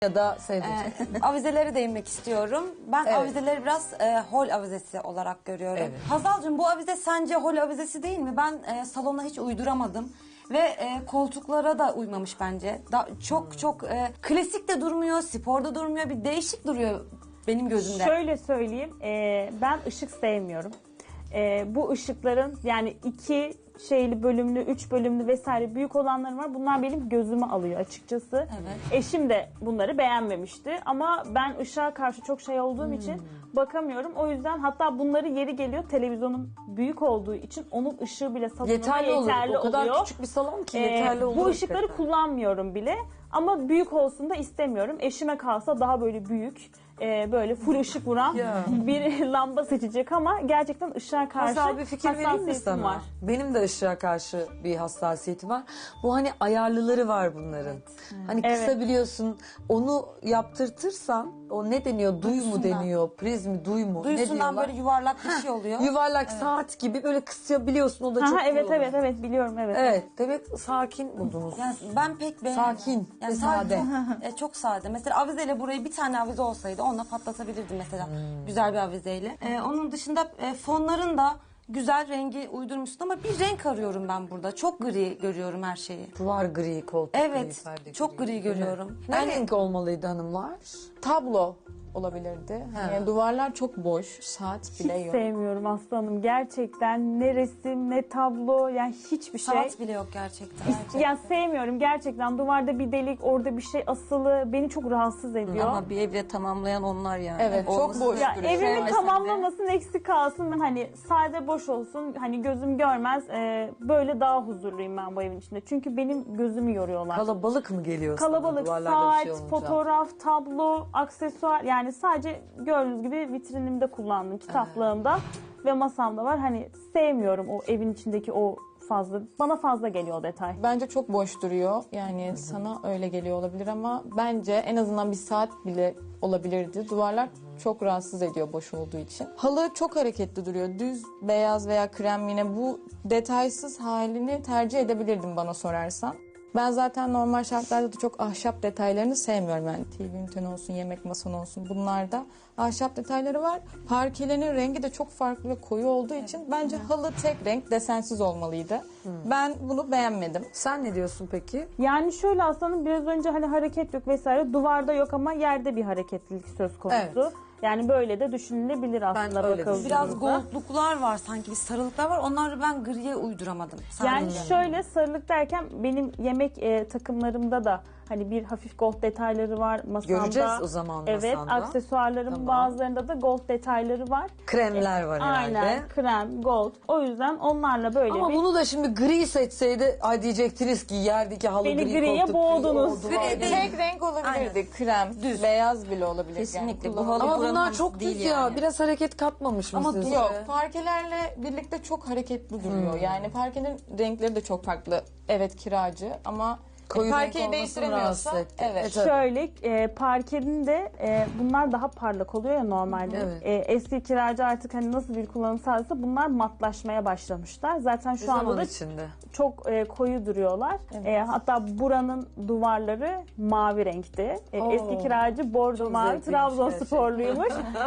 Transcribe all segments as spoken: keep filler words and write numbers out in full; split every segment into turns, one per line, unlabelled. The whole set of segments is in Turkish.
Ya da sevdiğin.
Ee, avizelere değinmek istiyorum. Ben
Evet.
avizeleri biraz e, hol avizesi olarak görüyorum.
Evet.
Hazal'cığım bu avize sence hol avizesi değil mi? Ben e, salona hiç uyduramadım. Ve e, koltuklara da uymamış bence. Da, çok çok e, klasik de durmuyor, sporda durmuyor. Bir değişik duruyor benim gözümde.
Şöyle söyleyeyim, e, ben ışık sevmiyorum. E, bu ışıkların yani iki şeyli bölümlü, üç bölümlü vesaire büyük olanları var. Bunlar benim gözümü alıyor açıkçası.
Evet.
Eşim de bunları beğenmemişti. Ama ben ışığa karşı çok şey olduğum için bakamıyorum. O yüzden hatta bunları yeri geliyor televizyonun büyük olduğu için onun ışığı bile salonuma
Yeterli,
yeterli,
olur. O kadar
oluyor.
küçük bir salon ki
Ee,
yeterli olur.
bu ışıkları
hakikaten.
kullanmıyorum bile. Ama büyük olsun da istemiyorum. Eşime kalsa daha böyle büyük, e, böyle full ışık vuran
Ya.
bir lamba seçecek ama gerçekten ışığa karşı
Masal bir fikir vereyim mi
hassasiyetim
sana?
var.
Benim de ışığa karşı bir hassasiyetim var. Bu hani ayarlıları var bunların. Hani
Evet.
kısabiliyorsun. Onu yaptırtırsan o ne deniyor? Duy mu
Duyusundan.
deniyor? Priz mi? Duy mu? ne
Duyusundan
diyorlar?
böyle yuvarlak bir şey oluyor.
Yuvarlak saat gibi böyle kısabiliyorsun. O da çok
Aha,
iyi
evet
oluyor.
evet evet biliyorum evet.
Evet. Demek sakin buldunuz.
Yani ben pek beğenmedim.
Sakin ve
sadece
sade.
Çok, e, çok sade. Mesela avizeyle burayı bir tane avize olsaydı onunla patlatabilirdim mesela.
Hmm.
Güzel bir avizeyle. E, onun dışında e, fonların da güzel rengi uydurmuşsun ama bir renk arıyorum ben burada. Çok gri görüyorum her şeyi.
Duvar gri, koltuk gri,
Evet,
perde
çok gri
değil mi?
görüyorum.
Ne
Yani-
renk olmalıydı hanımlar?
Tablo olabilirdi. Yani duvarlar çok boş, saat bile
Hiç
yok.
sevmiyorum aslanım. Gerçekten ne resim ne tablo yani hiçbir şey.
Saat bile yok gerçekten.
Yani sevmiyorum gerçekten. Duvarda bir delik, orada bir şey asılı beni çok rahatsız ediyor.
Ama bir evle tamamlayan onlar yani.
Evet, çok
Olması
boş
Ya
duruyor.
evimi
Sevmesen de.
tamamlamasın, eksik kalsın. Ben hani sade boş olsun, hani gözüm görmez. e, böyle daha huzurluyum ben bu evin içinde. Çünkü benim gözümü yoruyorlar.
Kalabalık mı geliyor sana
Kalabalık,
duvarlarda
saat,
bir şey olunca?
fotoğraf, tablo, aksesuar. Yani sadece gördüğünüz gibi vitrinimde kullandığım kitaplığımda ve masamda var. Hani sevmiyorum o evin içindeki o fazla. Bana fazla geliyor o detay.
Bence çok boş duruyor. Yani sana öyle geliyor olabilir ama bence en azından bir saat bile olabilirdi. Duvarlar çok rahatsız ediyor boş olduğu için. Halı çok hareketli duruyor. Düz, beyaz veya krem yine bu detaysız halini tercih edebilirdim bana sorarsan. Ben zaten normal şartlarda da çok ahşap detaylarını sevmiyorum. Yani T V üniten olsun, yemek masan olsun bunlarda ahşap detayları var. Parkelerin rengi de çok farklı ve koyu olduğu için bence halı tek renk desensiz olmalıydı. Ben bunu beğenmedim.
Sen ne diyorsun peki?
Yani şöyle aslanım biraz önce hani hareket yok vesaire. Duvarda yok ama yerde bir hareketlilik söz konusu.
Evet.
Yani böyle de düşünülebilir aslında
öyle
bakıldığında.
Biraz goldluklar var sanki, bir sarılıklar var. Onları ben griye uyduramadım.
Yani
Sadece.
şöyle sarılık derken benim yemek e, takımlarımda da hani bir hafif gold detayları var masamda.
Göreceğiz o zaman
Evet,
masanda.
aksesuarlarımın
Tamam.
bazılarında da gold detayları var.
Kremler var herhalde.
Aynen, krem, gold. O yüzden onlarla böyle
Ama
bir...
bunu da şimdi gri seçseydi ay diyecektiniz ki yerdeki halı
Beni
gri,
griye
koltuk
boğdunuz.
gri oldu.
Gri, tek renk olabilirdi. Krem, beyaz bile olabilir.
Kesinlikle.
Yani
Bu halı
Ama
buranın
bunlar
halısı
çok düz
değil
ya.
yani.
Biraz hareket katmamış
Ama
mısınız?
Yok, parkelerle birlikte çok hareketli duruyor. Yani parkenin renkleri de çok farklı. Evet kiracı ama
Koyu renk
parkeyi
olması
değiştiremiyorsa
rahatsız etti.
evet.
Evet.
Şöyle e, parkenin de e, bunlar daha parlak oluyor ya normalde.
Evet.
E, eski kiracı artık hani nasıl bir kullanım sağlasa bunlar matlaşmaya başlamışlar. Zaten şu anda
Zaman
da
içinde.
çok e, koyu duruyorlar. E, hatta buranın duvarları mavi renkti. E,
Oo.
eski kiracı bordo mavi,
zevkliymiş
Trabzonsporluymuş.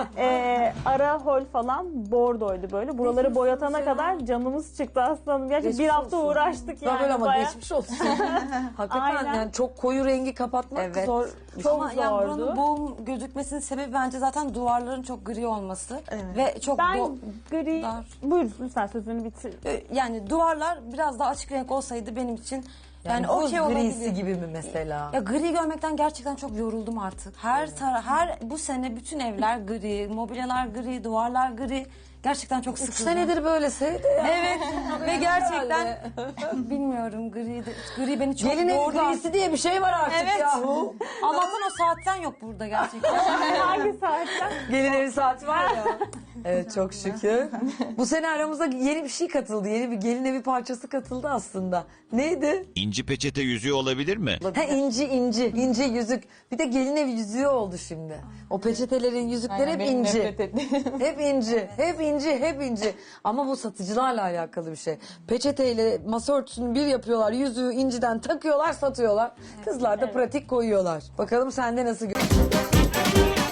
e, ara hol falan bordoydu böyle. Buraları boyatana kadar canımız çıktı aslanım. Gerçi
Geçmiş
bir hafta
olsun.
uğraştık yani.
Böyle ama
bayağı.
geçmiş olsun. Hakikaten
Aynen.
yani çok koyu rengi kapatmak
Evet.
zor.
Çok
Ama yani
zordu.
buranın boğum gözükmesinin sebebi bence zaten duvarların çok gri olması. Ve çok
Ben
bo-
gri...
dar.
Buyur lütfen sözünü bitir.
Ee, yani duvarlar biraz daha açık renk olsaydı benim için yani,
buz
okey
grisi
olabilir.
gibi mi mesela?
Ya gri görmekten gerçekten çok yoruldum artık. Her tara her bu sene bütün evler gri, mobilyalar gri, duvarlar gri. Gerçekten çok
Üç
sıkıldım.
senedir böyle sevdi ya.
Evet ve gerçekten bilmiyorum gri de, gri beni çok
Gelin evi
yordu.
grisi diye bir şey var artık
Evet.
yahu.
Allah'tan o saatten yok burada gerçekten.
Hangi saatten?
Gelin evi saati var ya. Evet çok şükür. Bu sene aramıza yeni bir şey katıldı. Yeni bir gelin evi parçası katıldı aslında. Neydi?
İnci peçete yüzüğü olabilir mi?
Ha inci inci. İnci yüzük. Bir de gelin evi yüzüğü oldu şimdi. O peçetelerin yüzükleri
Aynen,
hep
benim
inci.
nefret ettiğim.
Hep inci. Hep inci. inci, hep inci. Ama bu satıcılarla alakalı bir şey. Peçeteyle masa örtüsünü bir yapıyorlar, yüzüğü inciden takıyorlar, satıyorlar. Kızlar da pratik koyuyorlar. Bakalım sende nasıl gö-